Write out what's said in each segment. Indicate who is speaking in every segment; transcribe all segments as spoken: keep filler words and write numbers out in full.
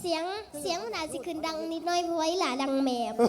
Speaker 1: เสียงเสียงมันอาจจะขึ้นดังนิดหน่อยเพราะว่าอีหลาดังแมบ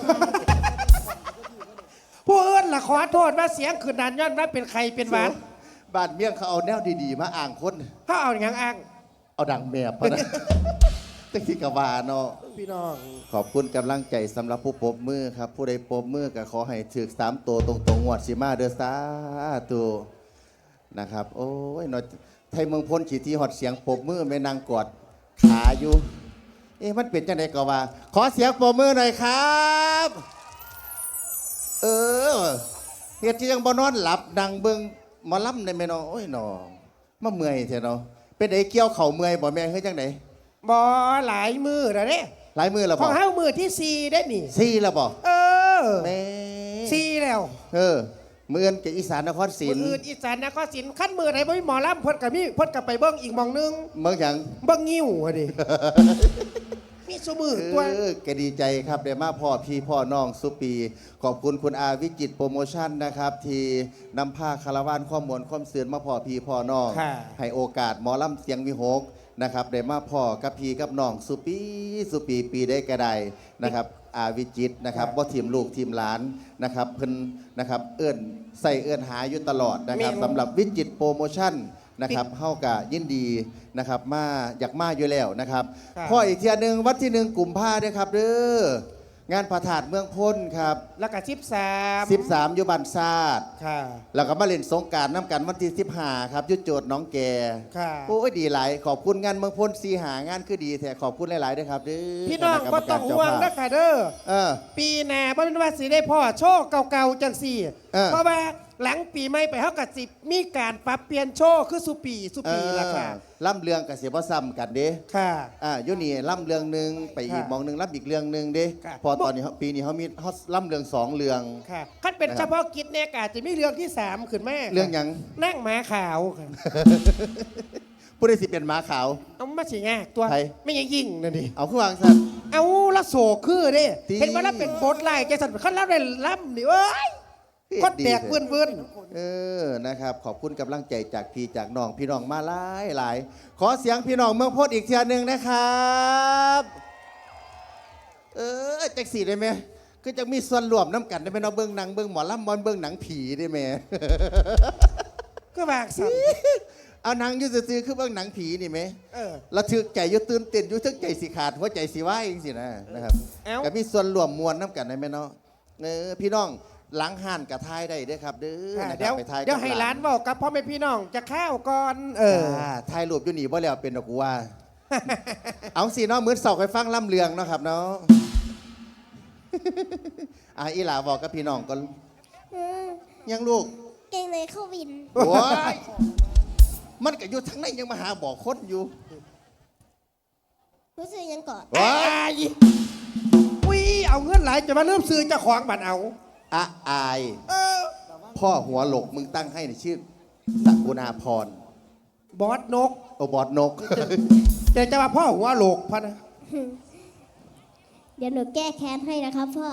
Speaker 2: ผู้อื่นล่ะขอโทษว่าเสียงขึ้นดันย้อนว่าเป็นใครเป็นหวาน
Speaker 3: บ้านเมี่ยงเขาเอาแนวดีๆมาอ่างคน
Speaker 2: เขาเอาอย่างอ้าง
Speaker 3: เอาดังแมบพะนะ ตะกี้กะวาเนาะ
Speaker 2: พี่น้อง
Speaker 3: ขอบคุณกำลังใจสำหรับผู้ปรบมือครับ ผู้ใดปรบมือก็ขอให้ถึกสามตัวตรงๆงวดสิมาเด้อสาธุนะครับ โอ้ยเนาะไทยเมืองพ้นขีทีหอดเสียงปรบมือแม่นางกอดขาอยู่ เอ๊ะมันเป็นจังไดก็ว่า ขอเสียงปรบมือหน่อยครับ เออเฮ็ดที่ยังบ่นอนหลับดังเบิ่งหมอลำได้แม่น้องโอ้ยน้องมาเมื่อยแท้เนาะเป็นไดเกี่ยวเข่าเมื่อยบ่แม่เฮ็ดจังได
Speaker 2: บอหลายมือแล้วเนี่ย
Speaker 3: หลายมือแล้ว
Speaker 2: ข
Speaker 3: บ่
Speaker 2: องเฮ้ามือที่สี่ได้นี่
Speaker 3: ซี่แล้วบ่
Speaker 2: เออ
Speaker 3: แม่
Speaker 2: สี่แล้ว
Speaker 3: เออเมือนกับอีสานนครศรี
Speaker 2: มืออื่นอีสานนครศรีขั้นมือไหนบ่มีหมอลำเพ่นกับมีเพ่นกับไปเบิ้งอีกหมองนึง
Speaker 3: เมืองหยัง
Speaker 2: เบิ้งงิ้วอะดิ มีสมือตัว
Speaker 3: เออแกดีใจครับได้มาพ่อพี่พ่อน้องสุปี ขอบคุณคุณอาวิจิตรโปรโมชั่นนะครับ ที่นำผ้าคาราวานข้อมูลข้อมเสือนมาพ่อพี่พ่อน้อง
Speaker 2: ค่ะ
Speaker 3: ให้โอกาสหมอลำเสียงวิหกนะครับได้มาพ่อกับพี่กับน้องสุปีสุปีปีได้กระไดนะครับ อาวิจิตรนะครับว่าทีมลูกทีมหลานนะครับเพิ่นนะครับเอื้อนใส่เอื้อนหาอยู่ตลอดนะครับสำหรับวิจิตรโปรโมชั่นนะครับเฮากะยินดีนะครับมาอยากมาอยู่แล้วนะครับพ่ออีกเทียหนึ่งวัดที่หนึ่งกลุ่มผ้าด้วยครับเด้องานพระธาตุเมืองพ้นครับ
Speaker 2: แล้วก็สิบสาม
Speaker 3: สิบสามอยู่บ้านซาด
Speaker 2: ค่ะ
Speaker 3: แล้วก็มาเล่นสงกรารน้ำกันวันที่สิบห้าครับยุดโจทย์น้องแก
Speaker 2: ค่ะ
Speaker 3: โอ้ยดีหลายขอบคุณงานเมืองพ้นสีหางานคือดีแท้ขอบคุณหลายๆด้วยครับเด้อ
Speaker 2: พี่น้อง
Speaker 3: คณะ
Speaker 2: ก็
Speaker 3: รรม
Speaker 2: ต้
Speaker 3: กา
Speaker 2: อง
Speaker 3: รเจ้า
Speaker 2: ห่วง
Speaker 3: ภาพ
Speaker 2: นะค่ะเด้อ
Speaker 3: เออ
Speaker 2: ปีหน้าบ่เป็นว่าสิได้พ่อโชว์เก่าๆจังสี่
Speaker 3: เออ
Speaker 2: เพราะว่าหลังปีใหม่ไปเฮากับสิมีการปรับเปลี่ยนโชว์คือสุปีสุปีละค่ะ
Speaker 3: เออล่ำเรืองกับเสียบ่ซ้ำกันเด้
Speaker 2: ค่ะ
Speaker 3: อ่าอยู่นี่ล่ำเรืองหนึ่งไปอีก
Speaker 2: ค่ะ
Speaker 3: มองหนึ่งล่ำอีกเรืองหนึ่งเด้
Speaker 2: ค่ะ
Speaker 3: พอตอนนี้เขาปีนี้เขามีเขาล่ำเรืองสองเรือง
Speaker 2: ค่ะคันเป็น
Speaker 3: นะครับ
Speaker 2: เฉพาะกิจเนี่ยก็อาจจะมีเรื่องที่สามขึ้นแม่
Speaker 3: เรื่องหยัง
Speaker 2: นั่งหมาขาวค่ะ
Speaker 3: ผู้ใดสิเป็นหม้าขาว
Speaker 2: เอามาสิงาตัว
Speaker 3: ใคร
Speaker 2: ไม่ยังยิ่งนั่นดิ
Speaker 3: เอาขึ้นวางสัตว์
Speaker 2: เอาละโศกคือเด้
Speaker 3: ตี
Speaker 2: เห็นว่าแล้วเป็นโบทไล่แกสันขั้นแล้วได้ล่ำนี่เอ้ยก็แตกเวื่อนเวื่อน
Speaker 3: เออนะครับ ขอบคุณกำลังใจจากพี่จากน้องพี่น้องมาหลายหลายขอเสียงพี่น้องเมืองโพดอีกเทียหนึ่งนะครับเออจักสีได้ไหมก็จะมีส่วนรวมน้ำกันได้ไหมเนาะเบิ้งหนังเบิ้งหมอลำบอลเบิ้งหนังผีได้ไหม
Speaker 2: ก็บากสัน
Speaker 3: เอาหนังอยูซื่อๆคือเบิ้งหนังผีนี่ไหม
Speaker 2: เออ
Speaker 3: ระทึกใจอยุตื่นเต้นอยุทึกใจสิขาดหัวใจสิว่าเองสินะนะครับ
Speaker 2: เอ้า
Speaker 3: ก็มีส่วนรวมมวลน้ำกันได้ไหมเนาะเออพี่น้องหลังห่านกับทายได้เด้อครับเด้อ
Speaker 2: ค่ะ
Speaker 3: นะค
Speaker 2: เดี๋
Speaker 3: รั
Speaker 2: ยว
Speaker 3: บไปทายกับ
Speaker 2: เดี๋ยวให้ร้านบอกกับพ่อแม่พี่น้องจะข้าวก่อนเออ
Speaker 3: จ้าทายรูปอยู่นี่บ่แล้วเป็นดอกกูว่า เอาสิเนาะมื้อเสาร์ไปฟังล่ำเลืองเนาะครับเนาะ อ่ะอีหลาบอกกับพี่น้องก่อน
Speaker 1: อืม
Speaker 3: ยังลูก
Speaker 1: เก่งเลยเข้าวิน
Speaker 3: โอ้ยมันก็อยู่ทั้งในยังมาหาบอกคนอยู่
Speaker 1: รู้สึกยังก่อน
Speaker 3: ว้า
Speaker 2: ไอ้อุ้ยเอาเงินหลายจะมาเริ่มซื้อเจะของบัตรเอา
Speaker 3: อะอาย
Speaker 2: เออ
Speaker 3: พ่อหัวหลกมึงตั้งให้ในชื่อสักุณาพร
Speaker 2: บอสนก
Speaker 3: โอบอดนก
Speaker 2: จะจะมาพ่อหัวโหลกพะนะ
Speaker 1: เดี๋ยวหนูแก้แค้นให้นะครับพ่อ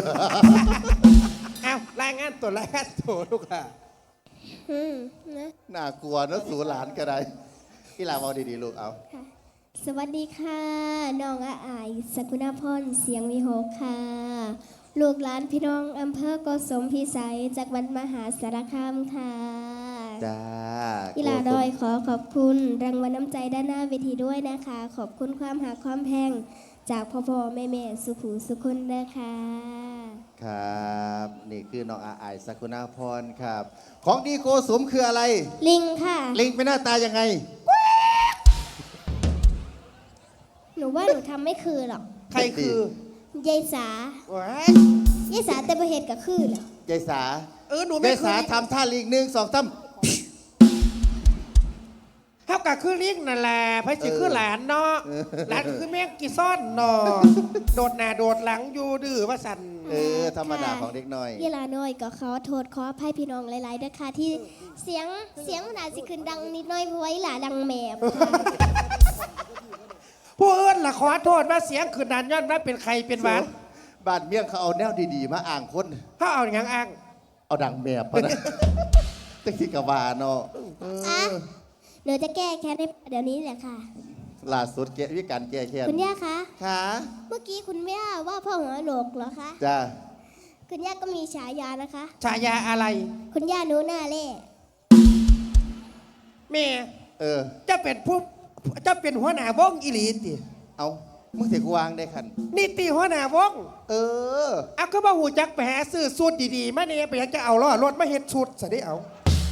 Speaker 2: เอารายงานตัวรายงานตัวลูกค่ะ
Speaker 1: อืมนะ
Speaker 3: น่ากลัวเนอะสูหลานก็ได้อีหลาบอกดีๆลูกเอา
Speaker 1: ค่ะสวัสดีค่ะ น้องอาอายสกุณาพรเสียงวิหกค่ะ ลูกหลานพี่น้องอำเภอโกสมพิสัยจากวันมหาสารคามค่ะ
Speaker 3: จ้า
Speaker 1: อีหลาดอยขอขอบคุณรางวัลน้ำใจด้านหน้าเวทีด้วยนะคะ ขอบคุณความหาความแพง จากพ่อพ่อแม่แม่สุขูสุคนนะคะ
Speaker 3: ครับ นี่คือน้องอาอายสักุณาพรครับ ของดีโกสมคืออะไร
Speaker 1: ลิงค่ะ
Speaker 3: ลิงเป็นหน้าตายังไง
Speaker 1: หนูว่าหนูทำไม่คือหรอก
Speaker 2: ใครคือย
Speaker 1: ายสา
Speaker 2: ว้าย
Speaker 1: ยายสาแต่ประเหตุกับคือเหรอ
Speaker 3: ยายสา
Speaker 2: เออหนู
Speaker 3: ยา
Speaker 2: ไม่
Speaker 3: ย
Speaker 2: คื
Speaker 3: สา
Speaker 2: อ
Speaker 3: ทำท่าลิงหนึ่งสองสาม
Speaker 2: เท่ากับคือลิงนั่นแหละพระจิคือหลานเนาะหลานก็คือแม่งกีซ่อนเนาะโดดหน้าโดดหลังอยู่ดื้อว่าสัน
Speaker 3: เออธรรมดาของเด็กน้อย
Speaker 1: เวลาน้อยก็ขอโทษขออภัยพี่น้องหลายๆนะคะที่เสียงเสียงมันอาจจะขึ้นดังนิดหน่อยเพราะว่าอีหลาดังแมบค่ะ
Speaker 2: ผู้อื่นล่ะขอโทษว่าเสียงขึ้นดันย้อนว่าเป็นใครเป็นหวาน
Speaker 3: บ้านเมี่ยงเขาเอาแนวดีๆ มาอ่างคน
Speaker 2: เขาเอาอย่างอ้าง
Speaker 3: เอาดังแมบพะนะ ตะกี้กะวาเนาะเอ
Speaker 1: อ่ะ
Speaker 3: อ
Speaker 1: หนูจะแก้แค้นให้เดี๋ยวนี้แหละค่ะ
Speaker 3: ล่าสุดแกวิการแก้แค้น
Speaker 1: คุณย่าคะ
Speaker 3: ค่ะ
Speaker 1: เมื่อกี้คุณย่าว่าพ่อหัวโหลกเหรอคะ
Speaker 3: จ้า
Speaker 1: คุณย่าก็มีฉายานะคะ
Speaker 2: ฉายาอะไร
Speaker 1: คุณย่าหนูหน้าเล่
Speaker 2: แม่
Speaker 3: เออ
Speaker 2: จะเป็นผู้จะเป็นหัวหน้าวงอีหลีติ
Speaker 3: เอามึงเสียกูวางได้คัน
Speaker 2: นี่ตีหัวหน้าวง
Speaker 3: เออ
Speaker 2: เอาก็บ่หูจักไปหาซื้อสูตรดีๆมาเนี่ยไปอยากจะเอาล้อรถมาเฮ็ดชุดซะได้เอา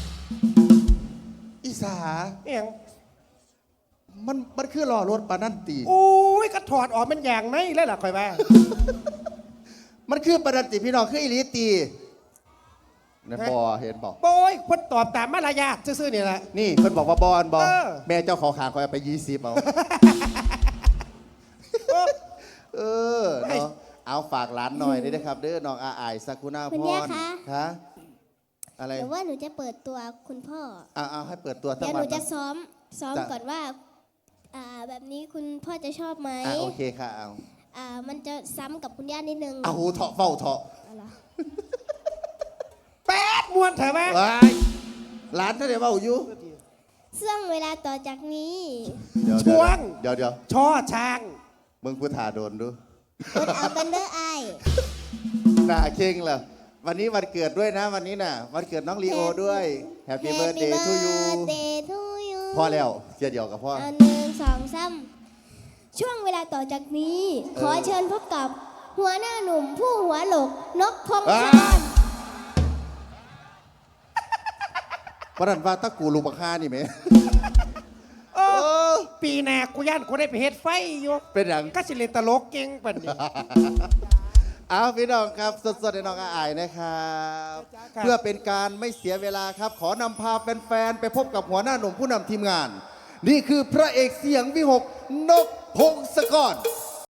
Speaker 3: อีสา
Speaker 2: เอียง
Speaker 3: มันมันคือรอรถปานั่นตี
Speaker 2: โอ้ยก็ถอดออกมันอย่างไหนแล้วล่ะค่อยว่า
Speaker 3: มันคือปานันติพี่น้องคืออีหลีตีนะบอเห็นบอก
Speaker 2: โอ้ยคนตอบตามมารยาทซื่อๆนี่แหละ
Speaker 3: นี่เพิ่นบอกว่าบอลบอล
Speaker 2: เออ
Speaker 3: แม่เจ้าขอขางคอยเอาไปยี่สิบเอา เออเนาะเอาฝากร้านหน่อยด้วยนะครับ เด้อน้องอาอายสักุณาพ
Speaker 1: คุณ
Speaker 3: ร
Speaker 1: ย่าคะ
Speaker 3: คะอะไร
Speaker 1: หรือว่าหนูจะเปิดตัวคุณพ่อ
Speaker 3: เอาเอาให้เปิดตัวสัก
Speaker 1: เดี๋ยวห
Speaker 3: วั
Speaker 1: นู
Speaker 3: น
Speaker 1: จะซ้อมซ้อม
Speaker 3: จะ
Speaker 1: ก่อนว่าอ่าแบบนี้คุณพ่อจะชอบไหม
Speaker 3: อ่ะโอเคค่ะเอา
Speaker 1: อ่ามันจะซ้ำกับคุณย่านิดนึง
Speaker 3: เอาหูเถาะเฝ้าเถาะ
Speaker 1: เอาล่ะ
Speaker 2: แป๊ดมวนเถอะแม่
Speaker 3: ว้ายร้านท่านเดี๋ยวเฝ้าอยู่
Speaker 1: ซึ่งเวลาต่อจากนี้
Speaker 3: เดี๋ยว
Speaker 2: ช่วง
Speaker 3: เดี๋ยวเดี๋ยว
Speaker 2: ช่อช้าง
Speaker 3: มึงพูดถ่าโดนดู
Speaker 1: กดเอากันเด้อไอาย
Speaker 3: หน้าเข่งเหรอวันนี้วันเกิดด้วยนะวันนี้น่ะ วันเกิดน้องลีโอด้วย Happy Birthday to you
Speaker 1: Birthday to you
Speaker 3: พ่อแล้วเสียเดียวกับพ่อ
Speaker 1: เอาหนึ่งสองสามช่วงเวลาต่อจากนี้
Speaker 3: เออ
Speaker 1: ขอเชิญพบกับหัวหน้าหนุ่มผู้หัวโหลกนกพงศ
Speaker 3: อ่า
Speaker 1: กร
Speaker 3: วันนั้นว่าตะกูลูกบักฮานี่ไหม
Speaker 2: โอ้ปีหน้ากูย่านกูได้ไปเฮ็ดไฟอยู่
Speaker 3: เป็นอย่าง
Speaker 2: ก็สิเล่นตลกเก่งปานนี้
Speaker 3: เอาพี่น้องครับสดๆในน้องอาอายนะครับ
Speaker 2: ครับ
Speaker 3: เพื่อเป็นการไม่เสียเวลาครับ ขอนำพาแฟนๆไปพบกับหัวหน้าหนุ่มผู้นำทีมงาน นี่คือพระเอกเสียงวิหกนกพงศกร